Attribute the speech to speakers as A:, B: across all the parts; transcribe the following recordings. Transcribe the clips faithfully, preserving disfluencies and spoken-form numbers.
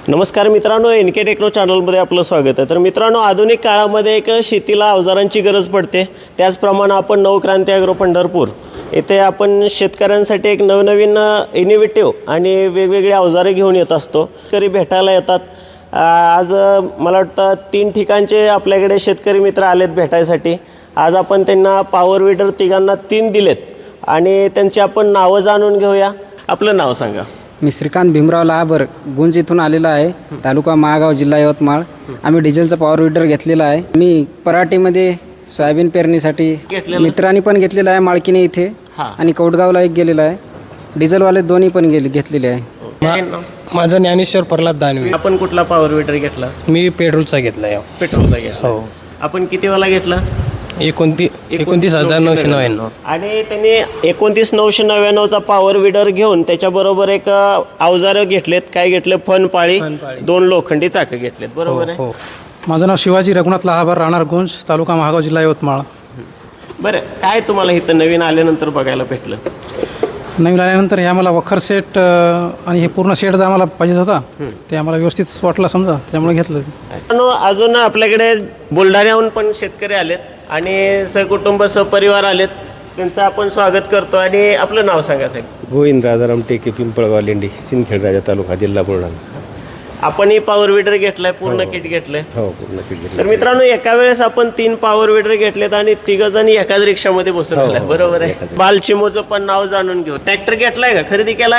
A: नमस्कार मित्रांनो, N K techno चॅनलमध्ये आपलं स्वागत आहे। तर मित्रांनो, आधुनिक काळामध्ये एक शेतीला अवजारांची गरज पडते। त्याचप्रमाणे आपण नवक्रांती ॲग्रो पंढरपूर येथे आपण शेतकऱ्यांसाठी एक नवनवीन इनोव्हेटिव्ह आणि वेगवेगळी अवजारे घेऊन येत असतो। शेतकरी भेटायला येतात। आज मला वाटतं तीन ठिकाणचे आपल्याकडे शेतकरी मित्र आलेत भेटायसाठी। आज आपण त्यांना पॉवर विडर तिघांना तीन दिलेत आणि त्यांची आपण नावं जाणून घेऊया। आपलं नाव सांगा।
B: मी श्रीकांत भीमराव लाहाबर गुंज इथून आलेला आहे, तालुका महागाव, जिल्हा यवतमाळ। आम्ही डिझेलचा पॉवर विडर घेतलेला आहे। मी पराठीमध्ये सोयाबीन पेरणीसाठी मित्रांनी पण घेतलेला आहे, माळकीने इथे आणि कौडगावला एक गेलेला आहे। डिझेलवाले दोन्ही पण गेले घेतलेले आहे।
C: माझं ज्ञानेश्वर प्रल्हाद दानवे।
A: आपण कुठला पॉवर विडर घेतला?
C: मी पेट्रोलचा घेतला आहे।
A: पेट्रोलचा घेतला।
C: हो।
A: आपण किती वाला घेतला?
C: एकोणतीस एकोणतीस हजार नऊशे नव्याण्णव।
A: आणि त्यांनी एकोणतीस नऊशे नव्याण्णवचा पॉवर विडर घेऊन त्याच्याबरोबर एक अवजारं घेतलेत। काय घेतले? फन पाळी, दोन लोखंडी चाकं घेतलेत, बरोबर आहे?
D: माझं नाव शिवाजी रघुनाथ लाहाबर, राहणार गुंज, तालुका महागाव, जिल्हा यवतमाळ।
A: बरं, काय तुम्हाला इथं नवीन आल्यानंतर बघायला भेटलं?
D: नवीन आल्यानंतर हे आम्हाला वखर सेट आणि हे पूर्ण सेट जर आम्हाला पाहिजे होता ते आम्हाला व्यवस्थित वाटला समजा, त्यामुळे घेतलं।
A: अजून आपल्याकडे बुलढाण्याहून पण शेतकरी आलेत आणि सहकुटुंब सहपरिवार आलेत। त्यांचं आपण स्वागत करतो। आणि आपलं नाव सांगा साहेब।
E: गोविंद राजाराम टेके, पिंपळगाव लेंडी, सिंदखेड राजा तालुका, जिल्हा बुलढाणा।
A: आपण ही पॉवर विडर घेतलाय, पूर्ण किट घेतलंय?
E: हो, पूर्ण किट घेतलं।
A: तर मित्रांनो, एका वेळेस आपण तीन पॉवर विडर घेतलेत आणि तिघ जण एकाच रिक्षामध्ये बसून आलाय, बरोबर आहे? बालचिमोचं पण नाव जाणून घेऊ। ट्रॅक्टर घेतलाय का, खरेदी केलाय?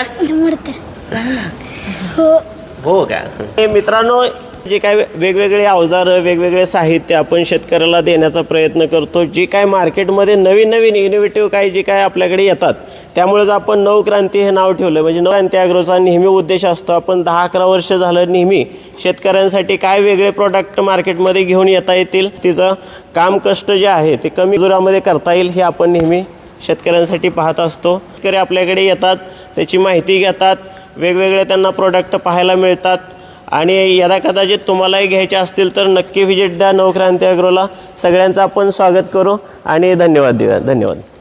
A: हो का? हे मित्रांनो, जे काय वेगवेगळे अवजार, वेगवेगळे साहित्य आपण शेतकऱ्याला देण्याचा प्रयत्न करतो। जी काय मार्केटमध्ये नवीन नवीन इनोव्हेटिव्ह काही जे काय आपल्याकडे येतात, त्यामुळेच आपण नवक्रांती हे नाव ठेवलं। म्हणजे नवक्रांती ॲग्रोचा नेहमी उद्देश असतो, आपण दहा अकरा वर्ष झालं नेहमी शेतकऱ्यांसाठी काय वेगळे प्रोडक्ट मार्केटमध्ये घेऊन येता येतील, तिचं काम कष्ट जे आहे ते कमी जोरामध्ये करता येईल हे आपण नेहमी शेतकऱ्यांसाठी पाहत असतो। शेतकरी आपल्याकडे येतात, त्याची माहिती घेतात, वेगवेगळे त्यांना प्रोडक्ट पाहायला मिळतात। आणि यदा कदाचित तुम्हालाही घ्यायचे असतील तर नक्की व्हिजिट द्या नवक्रांती ॲग्रोला। सगळ्यांचं आपण स्वागत करू आणि धन्यवाद देऊया। धन्यवाद।